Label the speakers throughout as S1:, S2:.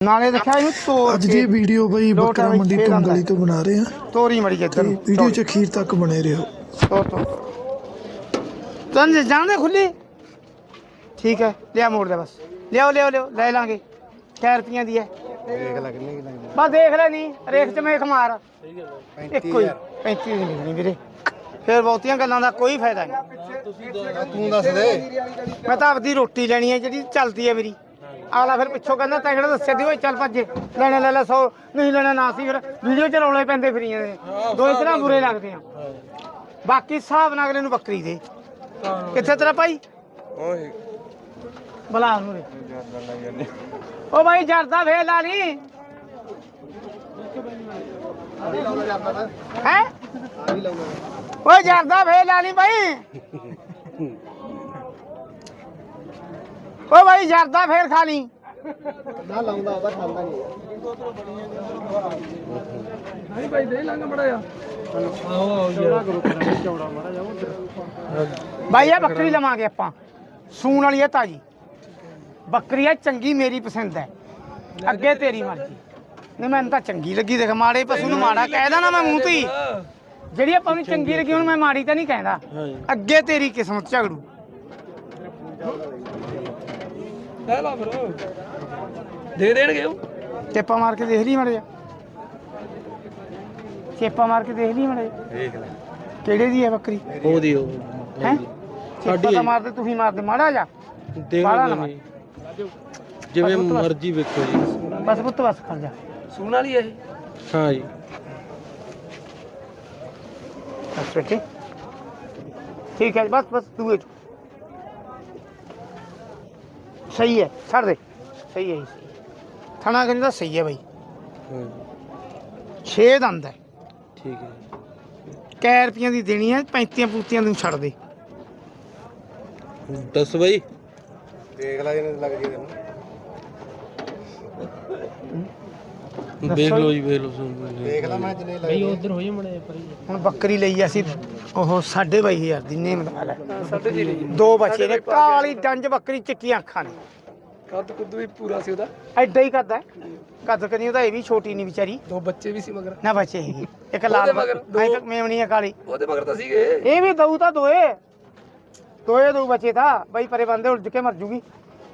S1: ਨਾਲੇ ਦੇਖਿਆ ਇਹਨੂੰ ਤੋੜ
S2: ਅੱਜ ਦੀ ਵੀਡੀਓ ਬਈ ਬੱਕਰਾ ਮੰਡੀ ਤੁੰਗਲੀ ਤੋਂ ਬਣਾ ਰਹੇ ਆ।
S1: ਤੋਰੀ ਮੜੀ ਜਿੱਧਰ
S2: ਵੀਡੀਓ ਚ ਅਖੀਰ ਤੱਕ ਬਣੇ ਰਹੋ।
S1: ਤਨ ਜਾਣਦੇ ਖੁੱਲੀ ਠੀਕ ਹੈ ਲਿਆ ਮੋੜ ਦੇ ਬਸ ਲਿਆਓ ਲੈ ਲਾਂਗੇ ਕਿੰਨੇ ਰੁਪਈਆਂ ਦੀ ਹੈ ਦੇਖ ਲੈ ਕਿੰਨੇ ਦੀ ਲੱਗਦੀ ਬਸ ਦੇਖ ਲੈ ਨਹੀਂ ਰੇਖ ਚ ਮੇਖ ਮਾਰ ਇੱਕੋ ਹੀ 35 ਦੀ ਮਿਲਣੀ ਵੀਰੇ ਫਿਰ ਬਹੁਤੀਆਂ ਗੱਲਾਂ ਦਾ ਕੋਈ ਫਾਇਦਾ ਨਹੀਂ।
S3: ਤੂੰ ਦੱਸ ਦੇ
S1: ਮੈਂ ਤਾਂ ਆਪਦੀ ਰੋਟੀ ਲੈਣੀ ਹੈ ਜਿਹੜੀ ਚੱਲਦੀ ਹੈ ਮੇਰੀ ਆਲਾ ਫਿਰ ਪਿੱਛੋਂ ਕਹਿੰਦਾ ਤੈਂ ਕਿਹੜਾ ਦੱਸਿਆ ਦੀ ਓਏ ਚੱਲ ਭੱਜੇ ਲੈਣਾ ਲੈ ਲੈ 100 ਨਹੀਂ ਲੈਣਾ ਨਾ ਸੀ ਫਿਰ ਵੀਡੀਓ ਚ ਰੌਲੇ ਪੈਂਦੇ ਫਰੀਆਂ ਦੇ ਦੋ ਇਸ ਤਰ੍ਹਾਂ ਬੁਰੇ ਲੱਗਦੇ ਆ। ਬਾਕੀ ਹਿਸਾਬ ਨਾਲ ਅਗਲੇ ਨੂੰ ਬੱਕਰੀ ਦੇ ਕਿੱਥੇ ਤੇਰਾ ਭਾਈ
S3: ਓਏ
S1: ਬਲਾ ਉਹਨੂੰ ਰੇ ਓ ਭਾਈ ਜਰਦਾ ਵੇ ਲਾ ਲਈ ਹੈ ਓਏ ਜਰਦਾ ਵੇ ਲਾ ਲਈ ਭਾਈ ਓ ਭਾਈ ਜਰਦਾ ਫੇਰ ਖਾ ਲਈ
S3: ਨਾ ਲਾਉਂਦਾ ਉਹਦਾ ਖਾਂਦਾ ਨਹੀਂ
S4: ਨਹੀਂ ਭਾਈ ਦੇ ਲੰਗ ਮੜਾ ਆ ਆਓ ਚੌੜਾ ਕਰੋ ਚੌੜਾ ਮੜਾ ਜਾ ਉਧਰ
S1: ਭਾਈ ਇਹ ਬੱਕਰੀ ਲਵਾਂਗੇ ਆਪਾਂ ਸੂਣ ਵਾਲੀ ਹੈ ਤਾਜੀ ਬੱਕਰੀ ਹੈ ਚੰਗੀ ਮੇਰੀ ਪਸੰਦ ਹੈ ਅੱਗੇ ਤੇਰੀ ਮਰਜ਼ੀ ਨਹੀਂ ਮੈਨੂੰ ਤਾਂ ਚੰਗੀ ਲੱਗੀ ਦੇਖ ਮਾੜੇ ਪਸ਼ੂ ਨੂੰ ਮਾੜਾ ਕਹਿਦਾ ਨਾ ਮੈਂ ਮੂੰਹ ਤੇ ਹੀ ਜਿਹੜੀ ਆਪਾਂ ਨੂੰ ਚੰਗੀ ਲੱਗੀ ਹੁਣ ਮੈਂ ਮਾੜੀ ਤਾਂ ਨਹੀਂ ਕਹਿੰਦਾ ਅੱਗੇ ਤੇਰੀ ਕਿਸਮਤ ਝਗੜੂ
S4: ਲੈ ਲਾ ਫਿਰ ਦੇ ਦੇਣਗੇ ਉਹ
S1: ਚੇਪਾ ਮਾਰ ਕੇ ਦੇਖ ਲਈ ਮੜੇ ਚੇਪਾ ਮਾਰ ਕੇ ਦੇਖ ਲਈ ਮੜੇ
S3: ਦੇਖ ਲੈ
S1: ਕਿਹੜੇ ਦੀ ਹੈ ਬੱਕਰੀ
S4: ਉਹਦੀ ਉਹ
S1: ਹੈ ਸਾਡੀ ਤਾਂ ਮਾਰਦੇ ਤੁਸੀਂ ਮਾਰਦੇ ਮਾੜਾ ਜਾ ਬਾਹਲਾ ਨਾ ਮਾਰ।
S4: ਜਿਵੇਂ ਮਰਜ਼ੀ ਵੇਖੋ ਜੀ
S1: ਬਸ ਪੁੱਤ ਬਸ ਖੜ ਜਾ
S4: ਸੂਣ ਵਾਲੀ ਇਹ ਹਾਂ ਜੀ
S1: ਬਸ ਬੇਟੇ ठीक है बस तू सही है छड़ दे सही है थाना कहने का सही है भाई 6 दंद है
S4: ठीक है
S1: कै रुपये की देनी है 35 पूतियां तू छड़ दे
S4: 10 भाई
S3: ਦੇਖ ਲੈ ਜਿੰਨੇ ਲੱਗ ਜੀ ਤੈਨੂੰ
S4: ਦੇਖ ਲਓ ਜੀ ਵੇਖ ਲਓ
S3: ਦੇਖ ਲੈ ਮੈਂ ਜਿੰਨੇ ਲੱਗ
S4: ਉਧਰ ਹੋਈ ਮੜੇ ਪਰੀ
S1: ਹੁਣ ਬੱਕਰੀ ਲਈ ਅਸੀਂ ਉਹ 22,500 ਦੀ ਨੇਮ ਦਾ ਲੈ
S4: ਸਾਡੇ ਜੀ
S1: ਦੋ ਬੱਚੇ ਨੇ ਕਾਲੀ ਡੰਜ ਬੱਕਰੀ ਚਿੱਟੀਆਂ ਅੱਖਾਂ ਨੇ
S4: ਕੱਦ ਕੁੱਦ ਵੀ ਪੂਰਾ ਸੀ ਉਹਦਾ
S1: ਐਡਾ ਹੀ ਕਰਦਾ ਕੱਦ ਕਰੀ ਉਹਦਾ ਇਹ ਵੀ ਛੋਟੀ ਨਹੀਂ ਵਿਚਾਰੀ
S4: ਦੋ ਬੱਚੇ ਵੀ ਸੀ ਮਗਰ
S1: ਨਾ ਬੱਚੇ ਹੈਗੇ ਇੱਕ ਲਾਲ ਇੱਕ ਮੇਵਣੀ ਹੈ ਕਾਲੀ
S4: ਉਹਦੇ ਮਗਰ ਤਾਂ ਸੀਗੇ
S1: ਇਹ ਵੀ ਦਊ ਤਾਂ ਦੋਏ ਦਊ ਬੱਚੇ ਤਾਂ ਬਈ ਪਰੇ ਬੰਦੇ ਉਲਝ ਕੇ ਮਰ ਜੂਗੀ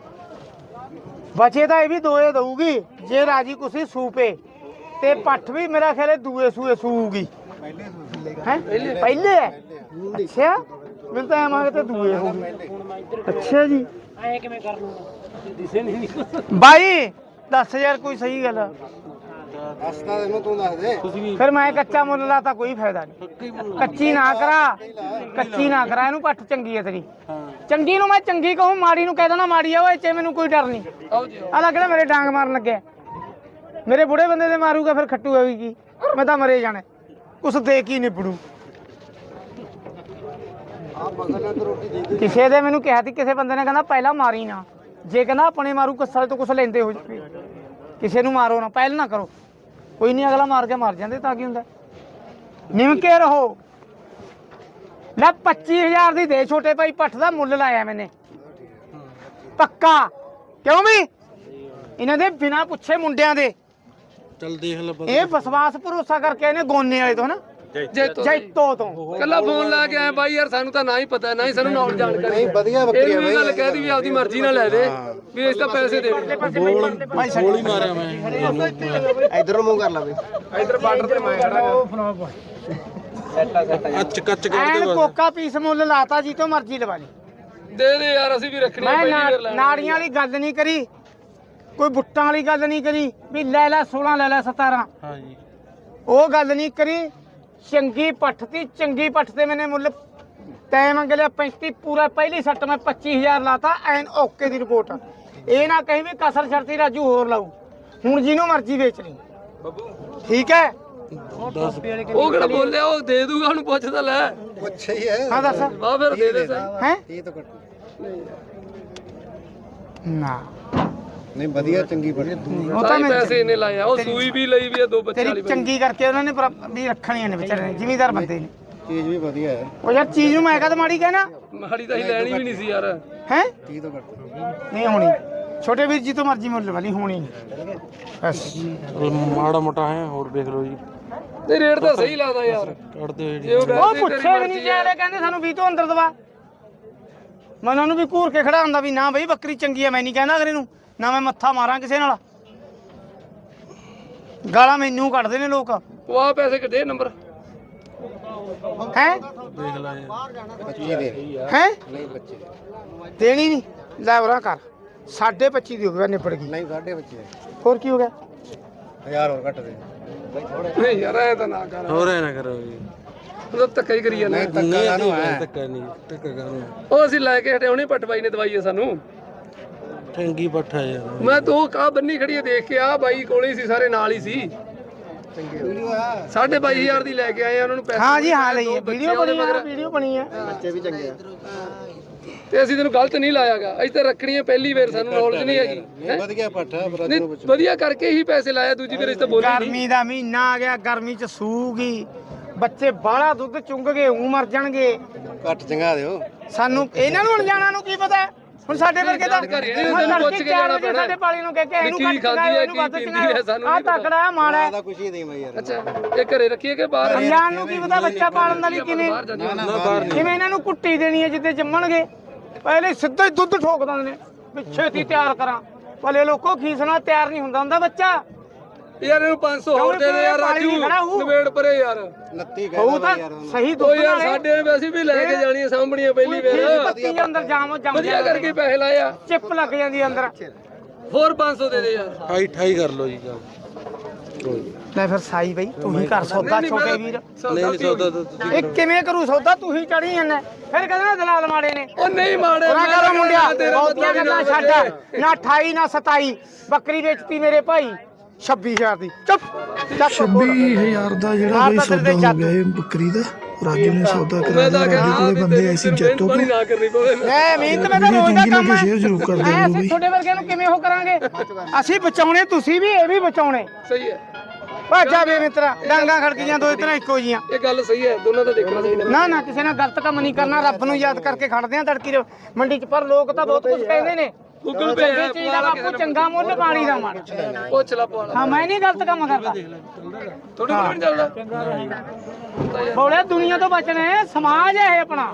S1: ਬੱਚੇ ਤਾਂ ਇਹ ਵੀ ਦੋਏ ਦਊਗੀ ਜੇ ਰਾਜੀ ਕੁਸੀ ਸੂਪੇ ਤੇ ਪੱਠ ਵੀ ਮੇਰਾ ਖਿਆਲ ਹੈ ਦੂਏ ਸੂਏ ਸੂਗੀ ਹੈ ਪਹਿਲੇ ਹੈ ਅੱਛਾ ਮੈਨੂੰ ਤਾਂ ਐਂ ਤੇ ਦੂਏ ਹੋਊਗੀ ਅੱਛਾ ਜੀ ਐ ਕਿਵੇਂ ਕਰ ਲੂੰਗਾ ਦਿਸੇ ਨਹੀਂ ਬਾਈ 10000 ਕੋਈ ਸਹੀ ਗੱਲ
S3: ਹਸਤਾ ਤੈਨੂੰ ਤੂੰ ਦੱਸ ਦੇ
S1: ਫਿਰ ਮੈਂ ਕੱਚਾ ਮੁੱਲ ਲਾਤਾ ਕੋਈ ਫਾਇਦਾ ਨਹੀਂ ਕੱਚੀ ਨਾ ਕਰਾ ਇਹਨੂੰ ਪੱਠ ਚੰਗੀ ਹੈ ਤੇਰੀ ਚੰਗੀ ਨੂੰ ਮੈਂ ਚੰਗੀ ਕਹੂੰ ਮਾੜੀ ਨੂੰ ਕਹਿ ਦੇਣਾ ਮਾੜੀ ਆ ਓਏ ਚੇ ਮੈਨੂੰ ਕੋਈ ਡਰ ਨਹੀਂ ਆਹ ਕਿਹੜਾ ਮੇਰੇ ਡਾਂਗ ਮਾਰਨ ਲੱਗਿਆ ਮੇਰੇ ਬੁੜੇ ਬੰਦੇ ਦੇ ਮਾਰੂਗਾ ਫਿਰ ਖੱਟੂ ਹੋਵੇਗੀ ਮੈਂ ਤਾਂ ਮਰੇ ਜਾਣਾ ਕੁਛ ਦੇ ਕੀ ਨਿਬੜੂ ਕਿਸੇ ਦੇ ਮੈਨੂੰ ਕਿਹਾ ਸੀ ਕਿਸੇ ਬੰਦੇ ਨੇ ਕਹਿੰਦਾ ਪਹਿਲਾਂ ਮਾਰੀ ਨਾ ਜੇ ਕਹਿੰਦਾ ਆਪਣੇ ਮਾਰੂ ਕੱਸਲ ਤੋਂ ਕੁਛ ਲੈਂਦੇ ਹੋ ਜਾਵੇ ਕਿਸੇ ਨੂੰ ਮਾਰੋ ਨਾ ਪਹਿਲ ਨਾ ਕਰੋ ਕੋਈ ਨਹੀਂ ਅਗਲਾ ਮਾਰ ਕੇ ਮਰ ਜਾਂਦੇ ਤਾਂ ਕੀ ਹੁੰਦਾ ਨਿਮ ਕੇ ਰਹੋ ਲੈ 25000 ਦੀ ਦੇ ਛੋਟੇ ਭਾਈ ਪੱਠ ਦਾ ਮੁੱਲ ਲਾਇਆ ਮੈਨੇ ਪੱਕਾ ਕਿਉਂ ਵੀ ਇਹਨਾਂ ਦੇ ਬਿਨਾ ਪੁੱਛੇ ਮੁੰਡਿਆਂ ਦੇ
S4: ਚੱਲ ਦੇਖ ਲੈ
S1: ਇਹ ਵਿਸ਼ਵਾਸ ਭਰੋਸਾ ਕਰਕੇ ਇਹਨੇ ਗੋਨੇ ਵਾਲੇ ਤੋਂ ਹਨਾ ਜੈਤੋ ਤੋਂ
S4: ਕੱਲਾ ਫੋਨ ਲਾ ਕੇ ਆਏ ਬਾਈ ਯਾਰ ਸਾਨੂੰ ਤਾਂ ਨਾ ਹੀ ਪਤਾ ਨਾ ਹੀ ਸਾਨੂੰ ਨੌਲੇਜ ਜਾਣਕਾਰੀ
S3: ਨਹੀਂ ਵਧੀਆ ਬੱਕਰੀ
S4: ਇਹ ਵੀ ਗੱਲ ਕਹਿਦੀ ਵੀ ਆਪਦੀ ਮਰਜ਼ੀ ਨਾਲ ਲੈ ਦੇ ਵੀ ਇਸ ਤਾਂ ਪੈਸੇ ਦੇ ਦੇ
S1: ਗੋਲੀ
S4: ਮਾਰਿਆ ਮੈਂ
S3: ਇਧਰ ਨੂੰ ਮੂੰਹ ਕਰ ਲਾ ਬਈ
S4: ਇਧਰ ਬਾਰਡਰ ਤੇ ਮੈਂ ਖੜਾ ਅੱਚ ਕੱਚ
S1: ਐਨ ਕੋਕਾ ਪੀਸ ਮੁੱਲ ਲਾਤਾ ਜੀ ਤੋਂ ਮਰਜ਼ੀ ਲਵਾ ਲਈ
S4: ਦੇ ਦੇ ਯਾਰ ਅਸੀਂ ਵੀ ਰੱਖਣੀ
S1: ਮੈਂ ਨਾੜੀਆਂ ਵਾਲੀ ਗੱਲ ਨਹੀਂ ਕਰੀ ਕੋਈ ਬੁੱਟਾਂ ਵਾਲੀ ਗੱਲ ਨਹੀਂ ਕਰੀ ਵੀ ਲੈ ਲੈ 16 ਲੈ ਲੈ 17
S4: ਹਾਂ ਜੀ
S1: ਉਹ ਗੱਲ ਨਹੀਂ ਕਰੀ ਚੰਗੀ ਪੱਠ ਦੀ ਚੰਗੀ ਪੱਠ ਤੇ ਮੈਨੇ ਮੁੱਲ ਤੈਂ ਮੰਗ ਲਿਆ 35 ਪੂਰਾ ਪਹਿਲੀ ਸੱਟ ਮੈਂ 25000 ਲਾਤਾ ਐਨ ਓਕੇ ਦੀ ਰਿਪੋਰਟ ਇਹ ਨਾ ਕਹੀਂ ਵੀ ਕਸਰ ਛੜਤੀ ਰਾਜੂ ਹੋਰ ਲਾਊ ਹੁਣ ਜਿਹਨੂੰ ਮਰਜ਼ੀ ਵੇਚ ਲਈ ਠੀਕ ਹੈ
S4: ਉਹ ਕਿਹੜਾ ਬੋਲਿਆ ਉਹ ਦੇ ਦੂਗਾ ਉਹਨੂੰ ਪੁੱਛਦਾ ਲੈ
S3: ਪੁੱਛ ਹੀ ਹੈ
S1: ਹਾਂ ਦੱਸ
S4: ਆ ਫਿਰ ਦੇ ਦੇ ਸਹੀ
S1: ਹੈ
S3: ਇਹ ਤਾਂ ਕੱਟ
S1: ਨਾ
S3: ਨਹੀਂ ਵਧੀਆ ਚੰਗੀ ਬੜੀ
S1: ਉਹ ਤਾਂ
S4: ਤਾਂ
S1: ਮੈਂ
S4: ਪੈਸੇ ਇਹਨੇ ਲਾਇਆ ਉਹ ਸੂਈ ਵੀ ਲਈ ਵੀ ਆ ਦੋ ਬੱਚੇ
S1: ਤੇਰੀ
S4: ਵਾਲੀ
S1: ਚੰਗੀ ਕਰਕੇ ਉਹਨਾਂ ਨੇ ਵੀ ਰੱਖਣੀਆਂ ਨੇ ਵਿਚਾਰੇ ਨੇ ਜ਼ਿਮੀਦਾਰ ਬੰਦੇ ਨੇ
S3: ਚੀਜ਼ ਵੀ ਵਧੀਆ ਹੈ
S1: ਉਹ ਯਾਰ ਚੀਜ਼ ਨੂੰ ਮੈਂ ਕਦ ਮਾੜੀ ਕਹਿਣਾ
S4: ਮਾੜੀ ਤਾਂ ਹੀ ਲੈਣੀ ਵੀ ਨਹੀਂ ਸੀ ਯਾਰ
S1: ਹੈ
S3: 30 ਤੋਂ ਘੱਟ
S1: ਨਹੀਂ ਹੋਣੀ ਛੋਟੇ ਵੀਰ ਜੀ ਤੋਂ ਮਰਜ਼ੀ ਮੁੱਲ ਵਾਲੀ ਹੋਣੀ ਨਹੀਂ ਬਸ
S4: ਮਾੜਾ ਮੋਟਾ ਹੈ ਹੋਰ ਦੇਖ ਲਓ ਜੀ ਨਹੀਂ ਰੇਟ ਤਾਂ ਸਹੀ ਲੱਗਦਾ ਯਾਰ ਕੱਢ ਦਿਓ ਜੀ
S1: ਉਹ ਪੁੱਛੇ ਵੀ ਨਹੀਂ ਚਾਹਲੇ ਕਹਿੰਦੇ ਸਾਨੂੰ 20 ਤੋਂ ਅੰਦਰ ਦਵਾ ਮੈਂ ਉਹਨਾਂ ਨੂੰ ਵੀ ਘੂਰ ਕੇ ਖੜਾ ਹੁੰਦਾ ਵੀ ਨਾ ਬਈ ਬੱਕਰੀ ਚੰਗੀ ਹੈ ਮੈਂ ਨਹੀਂ ਕਹਿੰਦਾ ਅਗਲੇ ਨੂੰ ਨਾ ਮੈਂ ਮੱਥਾ ਮਾਰਾਂ ਕਿਸੇ ਨਾਲ ਗਾਲਾਂ ਮੈਨੂੰ ਕੱਢਦੇ ਨੇ ਲੋਕ
S4: ਉਹ ਆ ਪੈਸੇ ਕਿੱਡੇ ਨੰਬਰ
S1: ਹੈ
S4: ਦੇਖ ਲੈ ਯਾਰ
S3: ਬੱਚੇ ਦੇ
S1: ਹੈ
S3: ਨਹੀਂ ਬੱਚੇ
S1: ਦੇਣੀ ਨਹੀਂ ਲੈ ਉਰਾ ਕਰ 25.5 ਦੀ ਹੋ ਗਈ ਨਿਪੜ ਗਈ
S3: ਨਹੀਂ ਸਾਡੇ ਬੱਚੇ
S1: ਹੋਰ ਕੀ ਹੋ ਗਿਆ
S3: 1000 ਹੋਰ ਘੱਟ ਦੇ
S4: ਨਹੀਂ ਯਾਰ ਇਹ ਤਾਂ ਨਾ ਕਰ ਹੋਰ ਐ ਨਾ ਕਰੋ ਜੀ ਉਹ ਧੱਕਾ ਹੀ ਕਰੀ ਜਾਂਦਾ
S3: ਨਹੀਂ ਧੱਕਾ ਨੂੰ ਹੈ
S4: ਧੱਕਾ ਨਹੀਂ ਧੱਕਾ ਕਰਨਾ ਉਹ ਅਸੀਂ ਲੈ ਕੇ ਹਟੇ ਹੁਣੇ ਪਟਵਾਈ ਨੇ ਦਵਾਈ ਹੈ ਸਾਨੂੰ ਠੰਗੀ ਪੱਠਾ ਯਾਰ ਮੈਂ ਤੂੰ ਕਾ ਬੰਨੀ ਖੜੀ ਦੇਖ ਕੇ ਆ ਬਾਈ ਕੋਲੇ ਸੀ ਸਾਰੇ ਨਾਲ ਹੀ ਸੀ
S3: ਵੀਡੀਓ ਆ
S4: 22,500 ਦੀ ਲੈ ਕੇ ਆਏ ਆ ਉਹਨਾਂ ਨੂੰ ਪੈਸੇ
S1: ਹਾਂ ਜੀ ਹਾਂ ਲਈ ਵੀਡੀਓ ਬਣੀ ਹੈ ਵੀਡੀਓ ਬਣੀ ਹੈ
S3: ਬੱਚੇ ਵੀ ਚੰਗੇ ਆ
S4: ਤੇ ਅਸੀਂ ਤੈਨੂੰ ਗਲਤ ਨਹੀਂ ਲਾਇਆਗਾ ਅਸੀਂ ਤਾਂ ਰੱਖਣੀਆਂ ਪਹਿਲੀ ਵਾਰ ਸਾਨੂੰ ਨੌਲੇਜ ਨਹੀਂ ਹੈਗੀ
S3: ਨਹੀਂ ਵਧੀਆ ਪੱਠਾ ਬਰਾਦਰ
S4: ਨਹੀਂ
S3: ਨੂੰ ਪੁੱਛੋ
S4: ਵਧੀਆ ਕਰਕੇ ਹੀ ਪੈਸੇ ਲਾਇਆ ਦੂਜੀ ਵਾਰ ਅਸੀਂ ਤਾਂ ਬੋਲੇ ਨਹੀਂ
S1: ਗਰਮੀ ਦਾ ਮਹੀਨਾ ਆ ਗਿਆ ਗਰਮੀ ਚ ਸੂਗੀ ਬੱਚੇ ਬਾਹਲਾ ਦੁੱਧ ਚੁੰਗ ਗਏ ਉਹ ਮਰ ਜਾਣਗੇ
S3: ਘੱਟ ਚੰਗਾ ਦਿਓ
S1: ਸਾਨੂੰ ਇਹਨਾਂ ਨੂੰ ਅਣਜਾਣਾ ਨੂੰ ਕੀ ਪਤਾ ਹੁਣ ਸਾਡੇ ਵਰਗੇ ਤਾਂ
S4: ਘਰੇ ਨੀ ਤੈਨੂੰ ਪੁੱਛ ਕੇ ਜਾਣਾ ਪੈਣਾ।
S1: ਸਾਡੇ ਪਾਲੀ ਨੂੰ ਕਹਿ ਕੇ ਇਹਨੂੰ
S4: ਕੀ
S1: ਘੱਟ
S4: ਖਾਂਦੀ
S1: ਚੰਗਾ
S4: ਹੈ,
S1: ਇਹਨੂੰ ਵੱਧ
S4: ਕੀ
S1: ਚੰਗਾ
S4: ਪੀਂਦੀ ਹੈ, ਸਾਨੂੰ
S1: ਆ
S4: ਨਹੀਂ ਪਤਾ।
S1: ਤਕੜਾ ਮਾੜਾ ਹੈ।
S3: ਦਾ ਕੁਛ ਹੀ ਨਹੀਂ ਬਈ ਯਾਰ
S4: ਅੱਛਾ ਇਹ ਘਰੇ ਰੱਖੀਏ ਕਿ ਬਾਹਰ
S1: ਅਣਜਾਣ ਨੂੰ ਕੀ ਪਤਾ ਬੱਚਾ ਪਾਲਣ ਦਾ ਲਈ ਕਿਵੇਂ
S4: ਬਾਹਰ ਜਾਂਦੇ ਨਾ ਬਾਹਰ
S1: ਕਿਵੇਂ ਇਹਨਾਂ ਨੂੰ ਕੁੱਟੀ ਦੇਣੀ ਹੈ ਜਿੱਦੇ ਜੰਮਣਗੇ ਪਹਿਲੇ ਸਿੱਧਾ ਹੀ ਦੁੱਧ ਠੋਕ ਦਿੰਦੇ ਨੇ ਪਿੱਛੇ ਦੀ ਤਿਆਰ ਕਰਾਂ ਭਲੇ ਲੋਕੋ ਖੀਸਣਾ ਤਿਆਰ ਨਹੀਂ ਹੁੰਦਾ ਬੱਚਾ
S4: ਯਾਰ ਇਹਨੂੰ 500 ਹੋਰ ਦੇ ਦੇ ਯਾਰ ਰਾਜੂ ਨਵੇੜ ਪਰੇ ਯਾਰ
S3: 29
S1: ਉਹ
S3: ਕਹਿੰਦਾ
S1: ਤਾਂ
S3: ਬਈ ਯਾਰ
S1: ਸਹੀ
S4: ਉਹ
S1: ਦੁੱਧ
S4: ਯਾਰ
S1: ਨਾਲੇ
S4: ਸਾਡੇ ਵੈਸੇ ਵੀ ਲੈ ਕੇ ਜਾਣੀਆਂ ਸਾਂਭਣੀਆਂ ਪਹਿਲੀ ਵਾਰ
S1: ਪੱਤੀ ਅੰਦਰ ਜਾਮ ਜੰਮ
S4: ਵਧੀਆ ਕਰਕੇ ਪੈਸੇ ਲਾਇਆ
S1: ਚਿੱਪ ਲੱਗ ਜਾਂਦੀ ਹੈ ਅੰਦਰ
S4: ਹੋਰ 500 ਦੇ ਦੇ ਯਾਰ 28 ਕਰ ਲਓ ਜੀ
S1: ਲੈ ਫਿਰ ਸਾਈ ਬਈ ਤੂੰ ਹੀ ਕਰ ਸੌਦਾ ਛੋਟੇ ਵੀਰ
S4: ਨਹੀਂ ਸੌਦਾ
S1: ਇਹ ਕਿਵੇਂ ਕਰੂ ਸੌਦਾ ਤੂੰ ਹੀ ਚੜੀ ਜਾਂਦਾ ਫਿਰ ਕਹਿੰਦਾ ਨਾ ਦਲਾਲ ਮਾੜੇ ਨੇ
S4: ਉਹ ਨਹੀਂ ਮਾੜੇ
S1: ਉਹਨਾਂ ਕਰੋ ਮੁੰਡਿਆ ਬਹੁਤੀਆਂ ਗੱਲਾਂ ਛੱਡ ਨਾ 28 ਨਾ 27 ਬੱਕਰੀ ਵੇਚਤੀ ਮੇਰੇ ਭਾਈ 26000 ਦੀ ਚੁੱਪ ਚੱਕ
S2: 26000 ਦਾ ਜਿਹੜਾ ਬਈ ਸੌਦਾ ਹੋ ਗਿਆ ਇਹ ਬੱਕਰੀ ਦਾ ਰਾਜੂ ਨੇ ਸੌਦਾ ਕਰਾਇਆ ਰਾਜੂ ਕੋਲੇ ਬੰਦੇ ਆਏ ਸੀ ਜੱਟੋ ਤੋਂ
S4: ਨਾ ਕਰਨੀ ਪਵੇ
S1: ਐ ਮਿਹਨਤ ਮੈਂ ਤਾਂ ਰੋਜ਼ ਦਾ ਕੰਮ ਹੈ
S2: ਸ਼ੇਅਰ ਜ਼ਰੂਰ ਕਰ
S1: ਐ
S2: ਦਿਓ
S1: ਅਸੀਂ
S2: ਬਈ
S1: ਤੁਹਾਡੇ ਵਰਗਿਆਂ ਨੂੰ ਕਿਵੇਂ ਉਹ ਕਰਾਂਗੇ ਅਸੀਂ ਬਚਾਉਣੇ ਤੁਸੀਂ ਵੀ ਇਹ ਵੀ ਬਚਾਉਣੇ
S4: ਸਹੀ ਹੈ
S1: ਭਾਜਾ ਵੇ ਮਿੱਤਰਾ ਡਾਂਗਾ ਖੜਕੀਆਂ ਦੋ ਇਤਨਾ ਇੱਕੋ ਜੀਆਂ
S4: ਇਹ ਗੱਲ ਸਹੀ ਹੈ ਦੋਨਾਂ ਦਾ ਦੇਖਣਾ ਚਾਹੀਦਾ
S1: ਨਾ ਕਿਸੇ ਨਾਲ ਗਲਤ ਕੰਮ ਨਹੀਂ ਕਰਨਾ ਰੱਬ ਨੂੰ ਯਾਦ ਕਰਕੇ ਖੜਦੇ ਆ ਤੜਕੀ ਦੇ ਮੰਡੀ 'ਚ ਪਰ ਲੋਕ ਤਾਂ ਬਹੁਤ ਕੁਝ ਕਹਿੰਦੇ ਨੇ
S4: ਗੂਗਲ ਪੇ
S1: ਚੰਗੀ ਚੀਜ਼ ਦਾ ਬਾਪੂ ਚੰਗਾ ਮੁੱਲ ਪਾਣੀ ਦਾ ਮਣ
S4: ਪੁੱਛ ਲਾ ਪਵਾਲਾ
S1: ਹਾਂ ਮੈਂ ਨਹੀਂ ਗਲਤ ਕੰਮ ਕਰਦਾ
S4: ਥੋੜੀ ਕੋਲ ਨਹੀਂ ਚੱਲਦਾ
S1: ਬੋਲੇ ਦੁਨੀਆ ਤੋਂ ਬਚਣਾ ਹੈ ਸਮਾਜ ਹੈ ਇਹ ਆਪਣਾ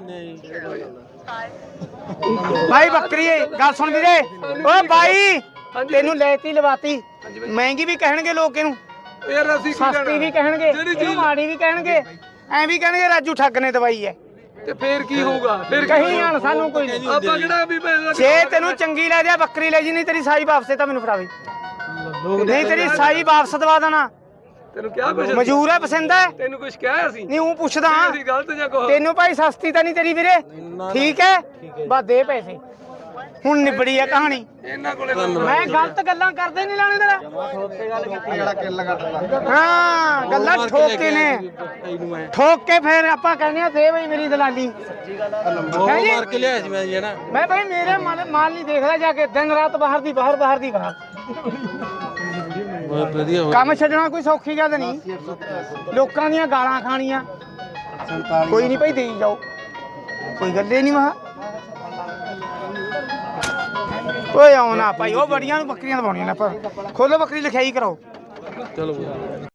S1: ਭਾਈ ਬੱਕਰੀ ਗੱਲ ਸੁਣ ਵੀਰੇ ਓਏ ਬਾਈ ਤੈਨੂੰ ਲੈਤੀ ਲਵਾਤੀ ਮਹਿੰਗੀ ਵੀ ਕਹਿਣਗੇ ਲੋਕ ਇਹਨੂੰ
S4: ਯਾਰ ਅਸੀਂ ਕੀ
S1: ਸਸਤੀ ਵੀ ਕਹਿਣਗੇ ਇਹਨੂੰ ਮਾੜੀ ਵੀ ਕਹਿਣਗੇ ਐਂ ਵੀ ਕਹਿਣਗੇ ਰਾਜੂ ਠੱਗ ਨੇ ਦਵਾਈ ਹੈ
S4: ਤੇ ਫੇਰ ਕੀ ਹੋਊਗਾ ਫੇਰ
S1: ਕਹੀ ਜਾਣ ਸਾਨੂੰ ਕੋਈ ਨਹੀਂ
S4: ਆਪਾਂ ਕਿਹੜਾ ਵੀ
S1: ਜੇ ਤੈਨੂੰ ਚੰਗੀ ਲੈ ਜਾ ਬੱਕਰੀ ਲੈ ਜੀ ਨਹੀਂ ਤੇਰੀ ਸਾਈ ਵਾਪਸ ਤਾਂ ਮੈਨੂੰ ਫੜਾਵੇ ਨਹੀਂ ਤੇਰੀ ਸਾਈ ਵਾਪਸ ਦਵਾ ਦੇਣਾ
S4: ਤੈਨੂੰ ਕਿਹਾ ਕੁਛ
S1: ਮਜੂਰ ਹੈ ਪਸੰਦ ਹੈ
S4: ਤੈਨੂੰ ਕੁਛ ਕਿਹਾ ਅਸੀਂ
S1: ਨਹੀਂ ਉਹ ਪੁੱਛਦਾ
S4: ਅਸੀਂ ਗਲਤ ਜਾਂ ਕੋ
S1: ਤੈਨੂੰ ਭਾਈ ਸਸਤੀ ਤਾਂ ਨਹੀਂ ਤੇਰੀ ਵੀਰੇ ਠੀਕ ਹੈ ਬਸ ਦੇ ਪੈਸੇ ਹੁਣ ਨਿਬੜੀ ਹੈ ਕਹਾਣੀ
S4: ਇਹਨਾਂ ਕੋਲੇ
S1: ਮੈਂ ਗਲਤ ਗੱਲਾਂ ਕਰਦੇ ਨਹੀਂ ਲਾਣੇ ਤੇਰਾ ਹਾਂ ਗੱਲਾਂ ਠੋਕ ਕੇ ਨੇ ਠੋਕ ਕੇ ਫਿਰ ਆਪਾਂ ਕਹਿੰਦੇ ਆ ਦੇ ਬਈ ਮੇਰੀ ਦਲਾਲੀ
S4: ਮਾਰ ਕੇ ਲਿਆ ਸੀ ਮੈਂ ਜੀ ਨਾ
S1: ਮੈਂ ਭਾਈ ਮੇਰੇ ਮਾਲ ਨਹੀਂ ਦੇਖਦਾ ਜਾ ਕੇ ਦਿਨ ਰਾਤ ਬਾਹਰ ਦੀ ਬਾਹਰ
S4: ਬਹੁਤ ਵਧੀਆ
S1: ਕੰਮ ਛੱਡਣਾ ਕੋਈ ਸੌਖੀ ਗੱਲ ਨਹੀਂ ਲੋਕਾਂ ਦੀਆਂ ਗਾਲਾਂ ਖਾਣੀਆਂ ਕੋਈ ਨਹੀਂ ਭਾਈ ਦੇਈ ਜਾਓ ਕੋਈ ਗੱਲੇ ਨਹੀਂ ਮਹਾ ਓਏ ਆਉਣਾ ਭਾਈ ਉਹ ਬੜੀਆਂ ਨੂੰ ਬੱਕਰੀਆਂ ਦਵਾਉਣੀਆਂ ਨੇ ਆਪਾਂ ਖੋਲੋ ਬੱਕਰੀ ਲਿਖਾਈ ਕਰਾਓ
S4: ਚਲੋ